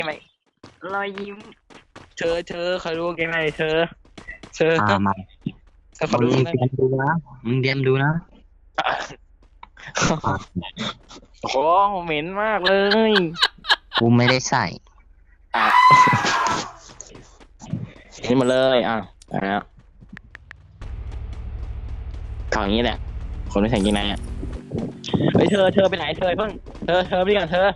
ไหมรอยยิ้มเธอเคยดูเกมไหมเธอมาเธอขอมึงดูได้ไหมเตรียมดูนะมึงเตรียมดูนะปากโอ้โหเหม็นมากเลยกูไม่ได้ใส่อ่ะนี่มาเลยแล้วถอดอย่างนี้แหละคนไม่ใส่กางเกงในอ่ะเฮ้ยเธอไปไหนเพิ่งเธอไปก่อนเธอ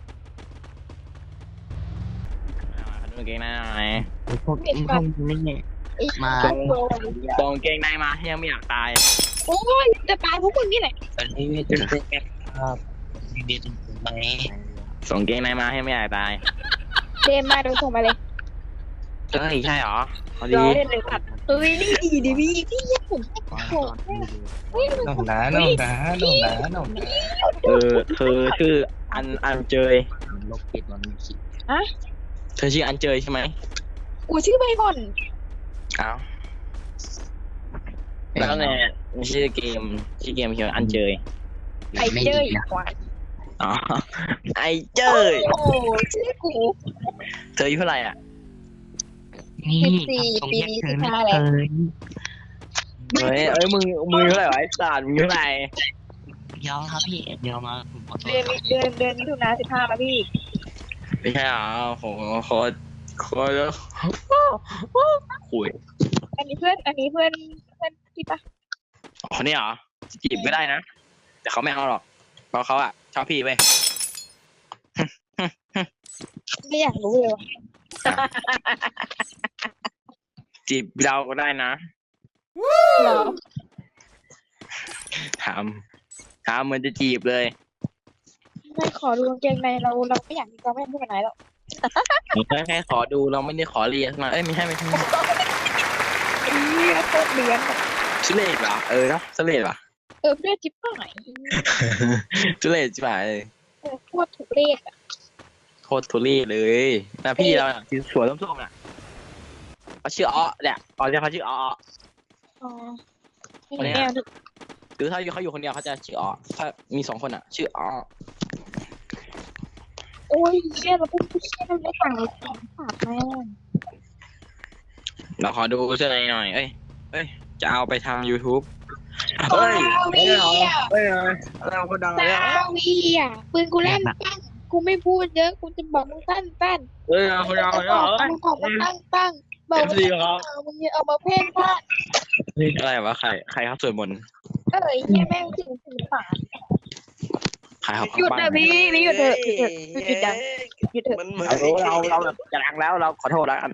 ขอดูกางเกงในหน่อยไอ้พวกนี่มาส่งกางเกงในมายังไม่อยากตายโอ้ยจะตายพวกมึงนี่แหละตอนนี้ไม่ต้องเป็นแบบครับมีตรงไหนส่งกางเกงในมาให้ไม่อยากตายเดมมาเดี๋ยวส่งมาเลยเฮ้ยใช่หรอพอรดีอเล่นเลยสัตว์เฮ้ยนี่ดีดิพี่ยังผมโหดเฮ้ยน้องหนาเธอชื่ออันเจยโลกปิดมันมีขีดเธอชื่ออันเจยใช่ไหมกูชื่อใบก่อนอ้าวแล้วเนี่ยชื่อเกมเขียนอันเจยไอเจออีกว่าอ๋อไอเจยโอ้ชื่อกูเธออายุเท่าไหร่อ่ะนี่ 14 ปีนี้15แล้วเอ้ยมึงเท่าไหร่วะไอ้สัตว์มึงเท่าไหร่ยอมครับพี่เดี๋ยวมาผมขอโทษเดือนมิถุนา15แล้วพี่ไม่ใช่หรอโหโคตรคุยอันนี้เพื่อนพี่ปะคนนี้เหรอจีบก็ได้นะแต่เขาไม่เอาหรอกเพราะเขาอ่ะชอบพี่ไปไม่อยากรู้เลยว่ะจีบเราก็ได้นะเหรอถามเหมือนจะจีบเลยไม่ขอดูกางเกงในเราไม่อยากมีความไม่พูดกันไหนหรอกแค่ขอดูเราไม่ได้ขอเรียนมาเอ้ยไม่ใช่อีโคตรเดือนชุเลศเหรอเนาะชุเลศเหรอเพื่อนจิ๊บหายชุเลศใช่ไหมโคตรถูกเลขอ่ะโคตรทุเรศเลยนะพี่เราเนี่ยสวยส้มๆน่ะเขาชื่ออ้อเนี่ยเรียกเขาชื่ออ้ออ๋อไม่แน่คือถ้าเขาอยู่คนเดียวเขาจะชื่ออ้อถ้ามี2 คนอ่ะ ชื่ออ้อโอ้ยเชี่ยเราเป็นผู้เชี่ยเราไม่ต่างเลยสองฝากแม่เราขอดูเสื้อในหน่อยเอ้ยจะเอาไปทาง YouTube เฮ้ยอะไรคนดังเลยซาวีอ่ะปืนกูลั่นปั้งกูไม่พูดเยอะกูจะบอกมึงตั้นคนดังเลยมึงบอกมึงตั้งบอกมึงมึงเอามาเพ่งพลาดอะไรวะใครครับสวดมนต์เฮียแม่งถึงฝาใครครับหยุดนะพี่หยุดเถอะหยุดจังหยุดเถอะเราแบบจะดังแล้วเราขอโทษแล้วกัน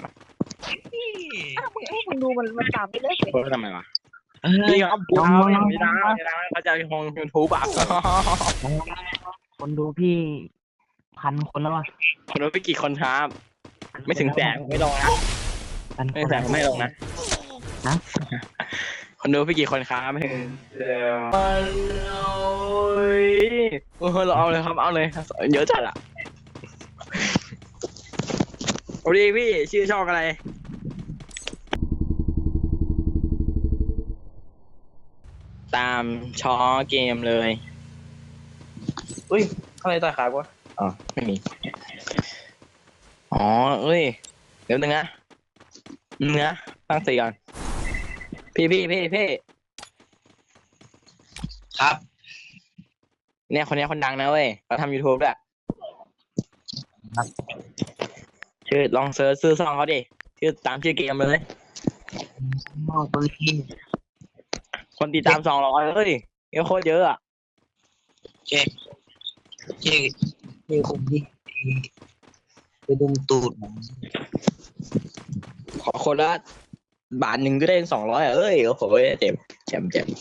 มึงดูมันตามไปเลยเพิ่มทำไมวะนี่ครับกูเอาไม่ดังเขาจะลง YouTube อ่ะคนดูพี่1,000 คนแล้วอ่ะคนดูไปกี่คนครับ ไม่ถึงแสนไม่ลงนะไม่แสนไม่ลงนะคนดูไปกี่คนครับไม่ถึงเราเอาเลยครับเอาเลยเยอะจัดอ่ะโอ้ดีพี่ชื่อช่องอะไรตามช้อเกมเลยอุ้ยอะไรต่อยขากูอ๋อไม่มีอ๋อเอ้ยเดี๋ยวนึงนะตั้งสติก่อนพี่ครับเนี่ยคนนี้คนดังนะเว้ยเขาทำ YouTube ด้วยชื่อลองเซิร์ชซื้อซองเขาดิชื่อตามชื่อเกมเลยมอตัวพี่คนติดตาม200เฮ้ยเยอะโคตรเยอะอ่ะเจ๊ผมที่ไปดมตูดผมขอคนละ1 บาทก็ได้200อ่ะเอ้ยโอ้โหเจ็บ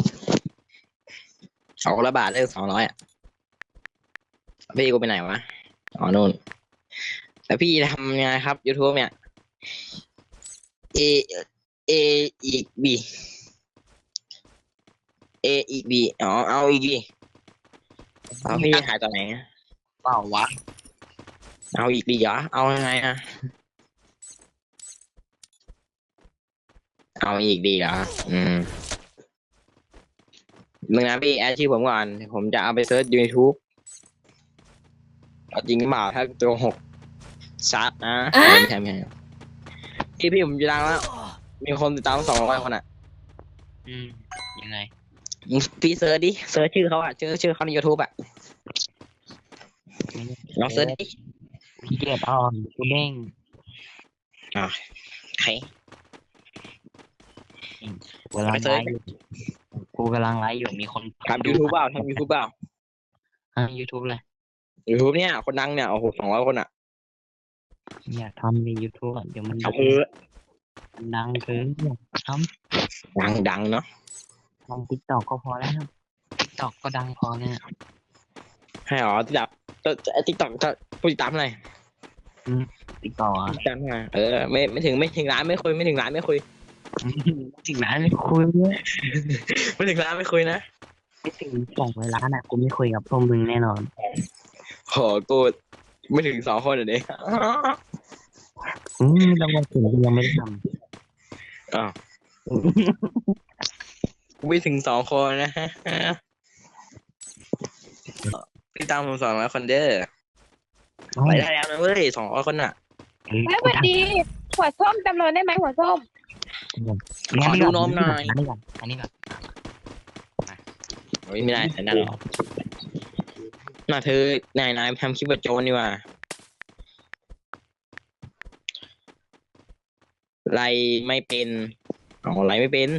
ขอคนละ1 บาทได้200อ่ะพี่กูไปไหนวะอ๋อนู่นแล้วพี่ทำยังไงครับ YouTube เนี่ย A A อีก B A อีก B อ๋อเอาอีก B เอาพี่หายตอนไหนเปล่าวะเอาอีกดีเหรอเอายังไงอะเอาอีกดีเหรอมึงนะพี่แอดชื่อผมก่อนผมจะเอาไปเซิร์ช YouTube เอาจริงหรือเปล่าถ้าโกหกชัดนะไม่ใช่พี่ผมจะดังแล้วมีคนติดตาม200 คนอ่ะยังไงพี่เซิร์ชดิเซิร์ชชื่อเขาอ่ะชื่อเขาใน YouTube อ่ะลองเซิร์ชดิพี่เกียรอ่อนกูเด้งใครกูกำลังไลฟ์อยู่กูกำลังไลฟ์อยู่มีคนทำ YouTube เปล่าทำ YouTube เปล่ายูทูบเลย YouTube เนี่ยคนดังเนี่ยโอ้โห200 คนอ่ะอยากทำในยูทูบเดี๋ยวมันทำเออดังเกินอยากทดังเนาะำทำติ๊กต็อกก็พอแล้วติ๊กต็อกก็ดังพอเนี่ยให้อ๋อติดตามTikTok จะผู้ติดตามเท่าไหร่ติ๊กต็อกติดตามเท่าไหร่ไม่ถึงล้านไม่คุยไม่ถึงล้านไม่คุยถึงร้านไม่คุยเนี่ยไม่ถึงล้านไม่คุยนะไม่ถึง200 ล้านอ่ะกูไม่คุยกับพวกมึงแน่นอนโหกูไม่ถึง2 คนเด็กต้องมาถึงกูยังไม่ได้ทอ้าวำกูไม่ถึง2 คนนะฮะติดตามผม200 คนเด้อไปได้แล้วนะเว้ย200 คนอ่ะแล้วสวัสดีหัวส้มจำเราได้ไหมหัวส้มขอดูนมหน่อยอันนี้ก่อนไม่ได้แต่นั่นหรอกน่าเธอนายทำคลิปแบบโจรนี่ว่าไรไม่เป็นไรไม่เป็น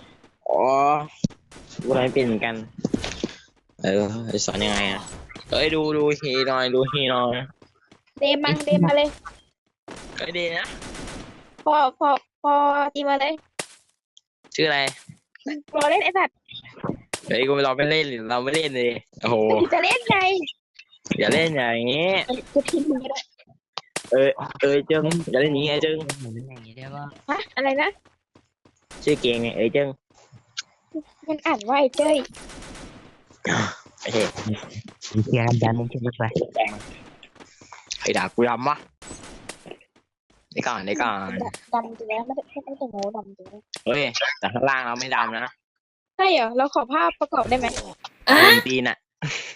ไรไม่เป็นเหมือนกันสอนยังไงอ่ะดูฮีหน่อยดูฮีหน่อยเดมาเลยดีนะพอตีมาเลยชื่ออะไรรอเล่นไอ้สัตว์กูเราไม่เล่นเราไม่เล่นเลยโอ้โหจะเล่นไงอย่าเล่นอย่างงี้จะพิมพ์มึงก็ได้เจิ้งอย่าเล่นอย่างงี้เจิ้งเหมือนอย่างนี้ได้ว่าฮะอะไรนะชื่อเก่งไงเจิ้งมันอ่านว่าไอ้เจ้ยโอเคเคลียร์กันมึงคิดไปไอ้ด่ากูดำวะได้ก่อนดำจริงแล้วไม่แต่โง่ดำจริงเฮ้ยแต่ข้างล่างเราไม่ดำนะใช่เหรอเราขอภาพประกอบได้ไหมตีนอ่ะ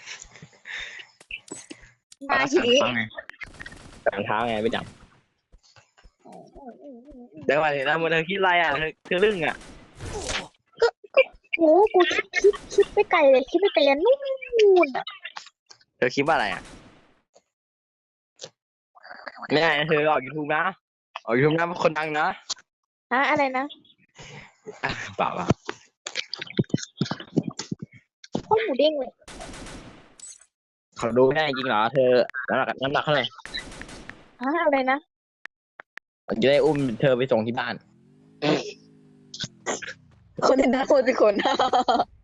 มาทีรองเท้าไงไม่ดำเดี๋ยวก่อนนะเธอคิดอะไรอ่ะเธอเรื่องอ่ะโอ้กูคิดไปไกลเลยคิดไปไกลยันนู่นอ่ะเธอคิดว่าอะไรอ่ะไม่ได้เธอออก YouTube นะออก YouTube นะเป็นคนดังนะฮะอะไรนะเปล่าโคตรหมูเด้งเลยเขาดูไม่ได้จริงเหรอเธอน้ำหนักเท่าไหร่ฮะอะไรนะจะได้อุ้มเธอไปส่งที่บ้านคนเป็นคนเป็นคน